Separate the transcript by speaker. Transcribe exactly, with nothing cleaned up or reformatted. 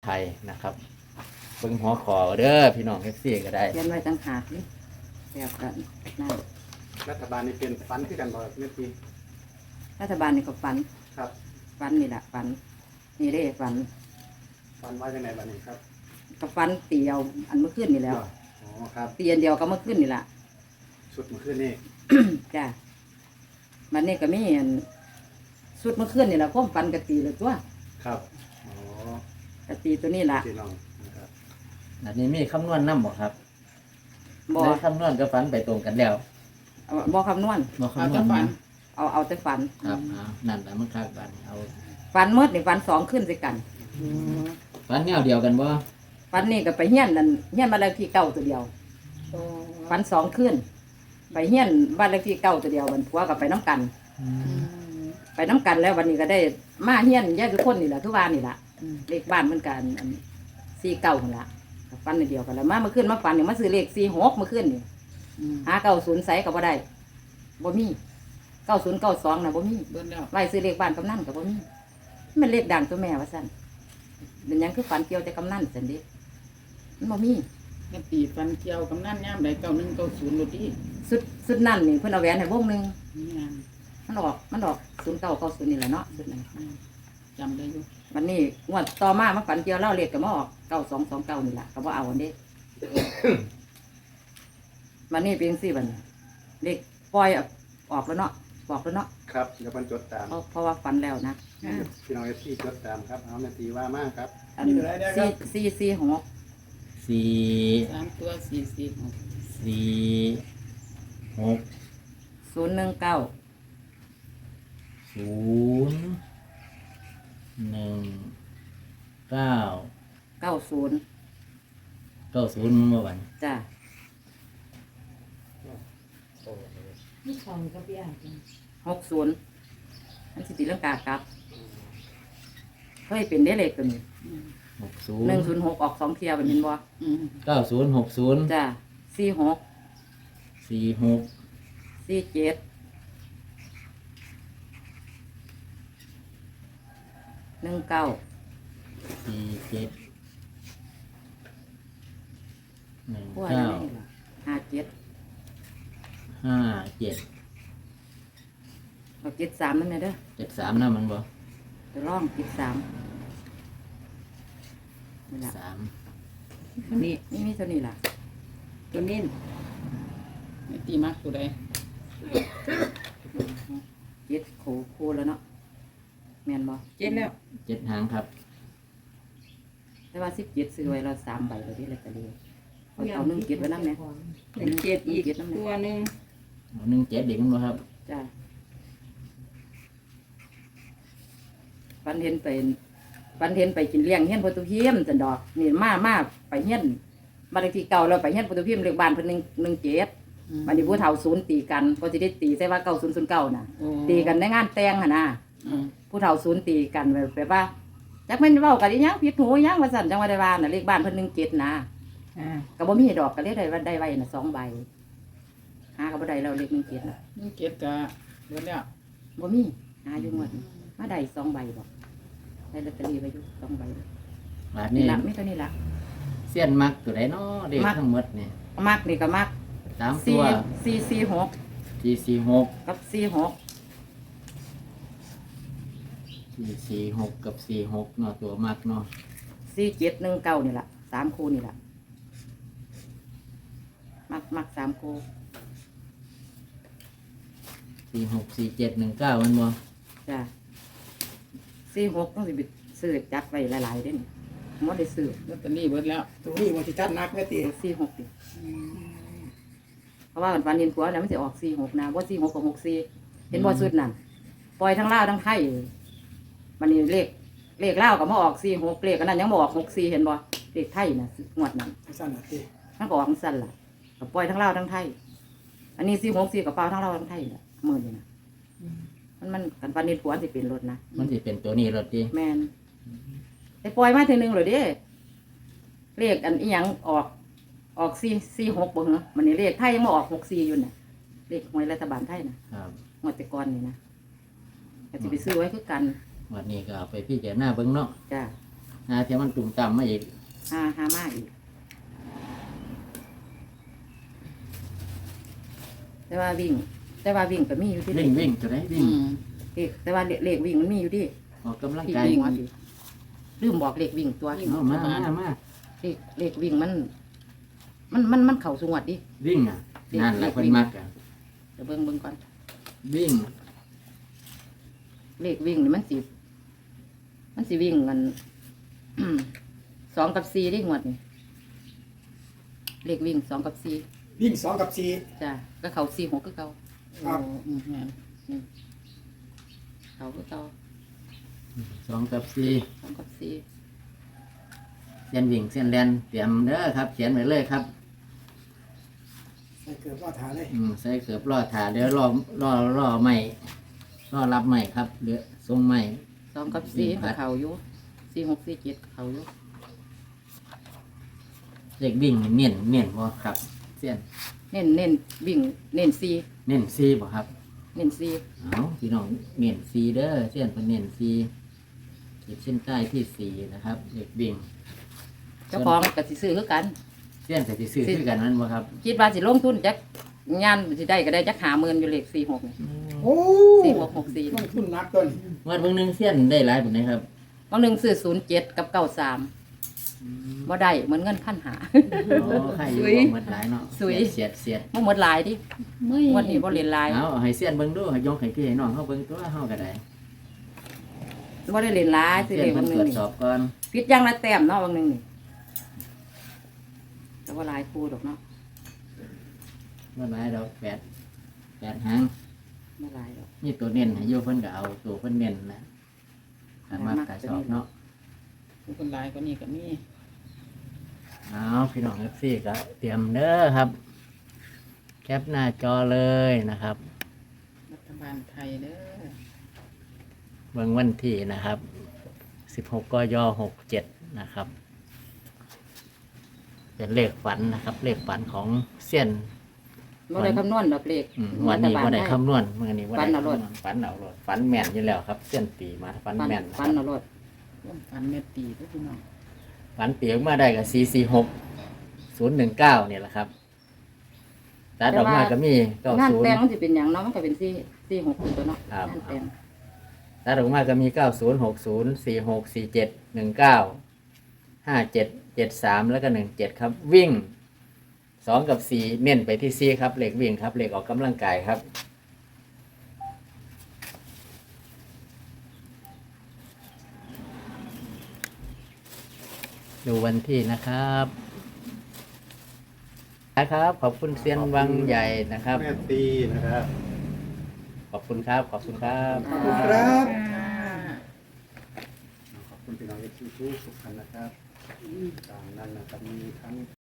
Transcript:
Speaker 1: ไทยนะครับเบิ่งหัวขอเด้อพี่น้องเอฟซีก็ได้
Speaker 2: เขียนไว้ต่างหากนี่แบบกันนั่น
Speaker 3: รัฐบาลนี่เป็นฟันขึ้นกันบ่เมื่อกี้
Speaker 2: รัฐบาลนี่ก็ฝัน
Speaker 3: ครับ
Speaker 2: ฝันนี่แหละฝันนี่ได้ฝัน
Speaker 3: ฟันว่าจังไงบ้านี้ครับ
Speaker 2: ก็ฝันตีเอาอันเมื่อคืนนี่แล้ว
Speaker 3: อ๋อครับ
Speaker 2: ตีอันเดียวก็เมื่อคืนนี่แหละ
Speaker 3: ชุดเมื่อคืนนี่
Speaker 2: จ้ะมันนี่ก็มีอันสุดเมื่อคืนนี่แหละความฝันกะตีเลยตัว
Speaker 3: ครับอ๋อก
Speaker 2: ะตีตัวนี้ล่ะ
Speaker 3: พี่น้องนะครับ
Speaker 1: อันนี้มีคำนวณนำบ่ครับ
Speaker 2: บ่
Speaker 1: ได้คำนวณกับฝันไปตรงกันแล้ว
Speaker 2: เอาบ่คำนวณ
Speaker 1: บ่คำนวณนะ
Speaker 2: เอาเอาแต่ฝัน
Speaker 1: ครับเอานั่นแหละมันคักบัดเอา
Speaker 2: ฝันเมื่อนี่ฝันสองขึ้นสิกัน
Speaker 1: ฝันแนวเดียวกันบ่
Speaker 2: ฝันนี่ก็ไปเฮี้ยนนั่นเฮี้ยนบ้านเลขที่เก้าตัวเดียวฝันสองขึ้นไปเฮี้ยนบ้านเลขที่เก้าตัวเดียววันผัวก็ไปน้ำกัน ไปน้ำกันแล้ววันนี้ก็ได้มาเฮี้ยนแยกทุกคนนี่แหละทุกวันนี่แหละเลขบ้านเหมือนกันสี่เก้าคนละฟันในเดียวกันแล้วมาเมื่อคืนมาฟันเนี่ยมาซื้อเลขสี่หกเมื่อคืนนี่หาเก้าศูนย์ใส่กับบ่ได้บ่มีเก้าศูนย์เก้าสองนะบ่มี
Speaker 4: เบิ่นแล้ว
Speaker 2: ไว้ซื้อเลขบ้านกำนันกับบ่มีมันเลขดังตัวแม่ว่าสั่นเป็นหยังคือฝันเกี่ยวแต่กำนันสันเดิมันบ่มี
Speaker 4: แม่ตีฟันเกี่ยวกำนั่นย่ามใดเก้าหนึ่งเก้าศูนย์รถดี
Speaker 2: สุดสุดนั่นนี่เพิ่นเอาแหวนให้วงหนึง
Speaker 4: นี่งาน
Speaker 2: มันออกมันออกศูนย์เก้าเก้าศูนย์นี่แหละเนาะสุดนั้น
Speaker 4: อืมจำได้อยู่
Speaker 2: วันนี้งวดต่อมามาฝันเกี่ยวเล่าเลขกับมาออกเก้าสองสองเก้านี่แหละก็บ่เอาอันเด้ วันนี้เป็นสี่วันเลขปล่อยออกแล้วเนาะบอกแล้วเนาะ
Speaker 3: ครับเดี๋ยวมันจดตาม
Speaker 2: เพราะเพราะว่าฝันแล้วนะ
Speaker 3: พี่น้องเอฟซีจดตามครับเอาแม่ตีว่ามากครับ
Speaker 2: อันสี่สี่สี่หก
Speaker 1: สี่
Speaker 4: สามตัวสี่สี่หก
Speaker 1: สี่หก
Speaker 2: ศูนย์หนึ่งเก้า
Speaker 1: ศูนย์หนึ่งเก้า
Speaker 2: เก้าศูนย์
Speaker 1: เก้าศูนย์เมื่อวัน
Speaker 2: จ้ะ
Speaker 4: นี่ของกับพี่อาจ
Speaker 2: หกศูนย์อันสิติเรื่องกากลับเคยเป็นได้เลขตัวนี้
Speaker 1: หกศู
Speaker 2: หนึ่ง
Speaker 1: นย์
Speaker 2: ศูนย์หกออกสองเทียเป็นมินบ่
Speaker 4: อืม
Speaker 1: เก้าศูนย์หกศูนย์
Speaker 2: จ้ะสี่หก
Speaker 1: สี่หก
Speaker 2: สี่เจ็ดหนึ่งเก้า
Speaker 1: สี่เจ็ดหนึ่ง
Speaker 2: พวก
Speaker 1: เก้า
Speaker 2: นี้ล่ะห้าเจ็ด
Speaker 1: ห้าเจ็ด
Speaker 2: เอาเจ็ดสามนั่นเลยเด้อ
Speaker 1: เจ็ดสามนะมันบ่
Speaker 2: จะร่องเจ็ดสามนี่ล่ะ
Speaker 1: สาม
Speaker 4: นี่
Speaker 2: นี่มีเท่านี้ล่ะ
Speaker 4: ตัวนี้แม่ตีมักตัวใด
Speaker 2: เจ็ดโคโคแล้วเนาะแม่นบ่
Speaker 4: เจ็ดแล้ว
Speaker 1: เจ็ดหางครับ
Speaker 2: แต่ว่าสิบเจ็ดซื้อไว้เราสามใบเลยที่ลอตเตอรี่เอาเอาหนึ่งเจ็ดไว้น้ำเนี่ย
Speaker 4: หนึ่งเจ็ดอีก
Speaker 2: เจ็ดน้ำ
Speaker 4: ตั
Speaker 2: เนี่
Speaker 4: วย หนึ่ง
Speaker 1: เอาหนึ่งเจ็ดเด็กมันบ่ครับ
Speaker 2: จ้าปันเห็นไปปันเห็นไปกินเลี้ยงเฮียนโปรตุเกสจันดอกนี่มามาไปเฮียนบ้านเลขที่เก่าเราไปเฮียนโปรตุเกสเรียกบ้านเพิ่นหนึ่งหนึ่งเจ็ดบันนี้ผู้เฒ่าศูนย์ตีกันก็จะได้ตีใช่ว่าเก้าศูนย์ศูนย์เก้าน่ะ
Speaker 4: โอ้
Speaker 2: ตีกันในงานแต่งหั่นน่ะ
Speaker 4: อืม
Speaker 2: ผู้เฒ่าศูนย์ตีกันแบบแบบว่าจักแม่นเว้ากันอีหยังผิดหูอีหยังว่าซั่นจังว่าได้ว่าน่ะเลขบ้านเพิ่นหนึ่งเจ็ดนะ
Speaker 4: อ่า
Speaker 2: ก็บ่มีดอกก็เลยได้ว่าได้ไว้น่ะสองใบหาก็บ่ได้แล้วเลขหนึ่งเจ็ดน่ะ
Speaker 4: หนึ่งเจ็ดกะเบิ่นแล้ว
Speaker 2: บ่มีหาอยู่หมดมาได้สองใบบ่ได้ลอตเตอรี่ไว้อยู่สองใบบ
Speaker 1: าท
Speaker 2: นี่
Speaker 1: นี้
Speaker 2: ละมีเท่านี้ละ
Speaker 1: เสี้ยนมักตัวไหนเนาะเด็ก
Speaker 2: มัก
Speaker 1: ทั้งหมดนี่
Speaker 2: มักนี่ก็มัก
Speaker 1: สามตั
Speaker 2: สี่
Speaker 1: ว
Speaker 2: สี่สี่หก
Speaker 1: สี่สี่หก
Speaker 2: กับสี่หก
Speaker 1: สี่สี่หกกับสี่หกเนาะตัวมักเนาะ
Speaker 2: สี่เจ็ดหนึ่งเก้านี่ละสามคู่นี่ละมักมักสามคู่
Speaker 1: สี่หกสี่เจ็ดหนึ่งเก้ามันบ่
Speaker 2: จ้ะสี่หกต้องสิบซื้อจัดไว้หลายๆเด้นี่มดได้ซื้อ
Speaker 4: ลอตเตอรี่เบิ่นแล้ว
Speaker 3: ตรงนี้มันจะจัดนักแม่ตี
Speaker 2: สี่หกดิเพราะว่าวันเห็นผัวเนี่ยมันจะออกสี่หกนะว่าสี่หกกับหกสี่เห็นบ่สุดนั่นปล่อยทั้งลาวทั้งไทยมันนี่เลขเลขลาวก็มาออกสี่หกเลขอันนั้นยังบออกหกสี่เห็นบ่เลขไทยนะงวดนั้น
Speaker 3: สั้นนะตี
Speaker 2: มันก็ออกจังสั้นล่ะก็ปล่อยทั้งลาวทั้งไทย อันนี้สี่หกสี่กับเปล่าทั้งลาวทั้งไทยแหละหมื่นนี่นะมันมันกันฟันนิดผัวสิเป็นรถนะ
Speaker 1: มันสิเป็นตัวนี้รถดิ
Speaker 2: แมนแต่ปล่อยมาทีหนึงเลยเด้เลขอันอีหยังออกออกสี่สี่หกบ่เหรอมันนี่เลขไทยยังมาออกหกสี่อยู่น่ะเลขหวยรัฐบาลไทยนะครับ งวดแต่ก่อนนี่นะก็จะไปซื้อไว้คือกัน
Speaker 1: วันนี้ก็เอาไปพี่เจ้าหน้าเบิ้งเนาะ
Speaker 2: จ้า
Speaker 1: หาเทียมมันตุ่มต่ำมาอีก
Speaker 2: หาหามากอีกแต่ว่าวิ่ง แต่ว่าวิ่งก็มีอยู่ที่
Speaker 1: วิ่งวิ่งตัวไหนวิ่
Speaker 4: อื
Speaker 1: ง
Speaker 4: ม
Speaker 2: เลขแต่ว่าเลขวิ่งมันมีอยู่ที่
Speaker 1: ออกกำลัง
Speaker 2: ที่
Speaker 1: กาย
Speaker 2: วิ่งว่าสิลืมบอกเลขวิ่งตัว
Speaker 1: เอามามามา
Speaker 2: เลขเลขวิ่งมัน มันมันมันเข่าสงวดดิ
Speaker 1: วิ่งอ่ะนั่นแหละคนมักอ่ะ
Speaker 2: เดี๋ยวเบิ่งเบิ่งก่อน
Speaker 1: วิ่ง
Speaker 2: เลขวิ่งนี่มันสิมันสิวิ่งกัน สองกับสี่ที่หวดนี่เลขวิ่งสองกับสี่
Speaker 3: วิ่งสองกับสี่
Speaker 2: จ้ะก็เขาสี่หกก็เขา
Speaker 3: ครับ
Speaker 4: โอ้อืมแม่น
Speaker 2: เขาก็เขา
Speaker 1: สองกับสี่
Speaker 2: สองกับสี่
Speaker 1: เส้นวิ่งเส้นแลนเตรียมเด้อครับ เขียนไว้เลยครับ
Speaker 3: ใส่เกือบว่าถาเลย
Speaker 1: อืมใส่เกือบรอถาเดี๋ยวรอรอรอใหม่รอรับใหม่ครับเดี๋ยวส่งใหม่
Speaker 2: สองกับสี่
Speaker 1: วิ่งครั
Speaker 2: ก็
Speaker 1: บ
Speaker 2: เขาอยู่สี่หกสี่เจ็ดเขาอยู่
Speaker 1: เลขวิ่งนี่เน้นเน้นบ่ครับเส้น
Speaker 2: เน้นเน้นวิ่ง เน้นสี่
Speaker 1: เน้นซีบ่ครับ
Speaker 2: เน้นสี่
Speaker 1: เอาพี่น้องเน้นซีเด้อเส้นเป็นเน้นซีขีดเส้นใต้ที่สี่นะครับเลขวิ่ง
Speaker 2: เจ้าของก็สิซื้อคือกัน
Speaker 1: เส้นแต่ที่ซื้อคือกันนั้นบ่ครับ
Speaker 2: คิดว่าสิลงทุนจักงานสิได้ก็ได้จักหาหมื่นอยู่เลขสี่หกนี่
Speaker 3: โอ้
Speaker 2: สี่หกหกสี่
Speaker 3: ลงทุนนักต้น
Speaker 1: เมื่อเบิ่งหนึงเส้นได้หลายปานใดครับ
Speaker 2: บางหนึ่งซื้อศูนย์เจ็ดกับเก้าสามบ่ได้เหมือนเงินพันหา
Speaker 1: โอ้ใครอยู่บ่หมดหลายเนาะ
Speaker 2: สุย
Speaker 1: เสียดเสียด
Speaker 2: บ่หมดหลายดิ
Speaker 4: ไม่
Speaker 2: งวันนี้บ่เรียนหลาย
Speaker 1: เอาให้เส้นเบิ่งดูให้ยกให้พี่ให้น้องเฮาเบิ่งตัวเฮาก็ได้
Speaker 2: บ่ได้เรียนหลายซื้อ
Speaker 1: เส้น
Speaker 2: เลข
Speaker 1: เพิ่
Speaker 2: บาน งห
Speaker 1: ต
Speaker 2: นึ่
Speaker 1: รง วจ
Speaker 2: นี่
Speaker 1: สอบก่อน
Speaker 2: พิดอย่างละแต้มเนาะบางหนึ่งนี่แต่ว่าหลายคู่ดอกเนาะ
Speaker 1: บ่หลายดอกแปดแปดหาง
Speaker 2: บ่หลายดอก
Speaker 1: นี่ตัวเน้นให้อยู่เพิ่นก็เอาตัวเพิ่นเน้นนะถ้ามักก็ชอบเนาะ
Speaker 4: ผู้คนหลายกว่านี้ก็มี
Speaker 1: เอาพี่น้อง เอฟ ซี ก็เตรียมเด้อครับ แคปหน้าจอเลยนะครับ
Speaker 4: รัฐบาลไทยเด้อ
Speaker 1: เบิ่งวันที่นะครับ สิบหก กย หกเจ็ด นะครับ เป็นเลขฝันนะครับ เลขฝันของเซียน
Speaker 2: บ่ได้คำนวณดอกเลข
Speaker 1: อืมวันนี้ว่าได้
Speaker 2: รัฐบาล
Speaker 1: คำนวณมื่อนี้ว่า
Speaker 2: ฝั
Speaker 1: ได้
Speaker 2: นเอาโลด
Speaker 1: คำนวณฝันเอาโลดฝันแม่นอยู่แล้วครับเซียนตีมาฝัน
Speaker 2: ฟัน
Speaker 1: แม่น
Speaker 2: ฟันเอารถ
Speaker 4: ร่วมพันเม็ดตีเด้อพี่น้อง
Speaker 1: ฝันเปียกมาได้กับสี่สี่หกศูนย์หนึ่งเก้าเนี่ยแหละครับตัดออกมาก็มีเก้าง
Speaker 2: าน
Speaker 1: ศูน
Speaker 2: แต่
Speaker 1: ย์
Speaker 2: งมันสิเป็นหยังเนาะมันก็เป็นสี่สี่หกตัวเนาะ
Speaker 1: ครับ
Speaker 2: งานแต่ง
Speaker 1: ตัดออกมาก็มีเก้าศูนย์หกศูนย์สี่หกสี่เจ็ดหนึ่งเก้าห้าเจ็ดเจ็ดสามแล้วก็หนึ่งเจ็ดครับ วิ่งสองกับสี่เน้นไปที่สี่ครับเหล็กวิ่งครับเหล็กออกกำลังกายครับ ดูวันที่นะครับนะครับ ขอบคุณเซียนวังใหญ่นะครับ
Speaker 3: แม่ตีนะครับ
Speaker 1: ขอบคุณครับ ขอบคุณครับ
Speaker 3: ขอบคุณครับ
Speaker 4: ค่ะ
Speaker 3: ขอบคุณพี่น้องเอฟซีทุกท่านนะครับตามนั้นนะครับมีทั้ง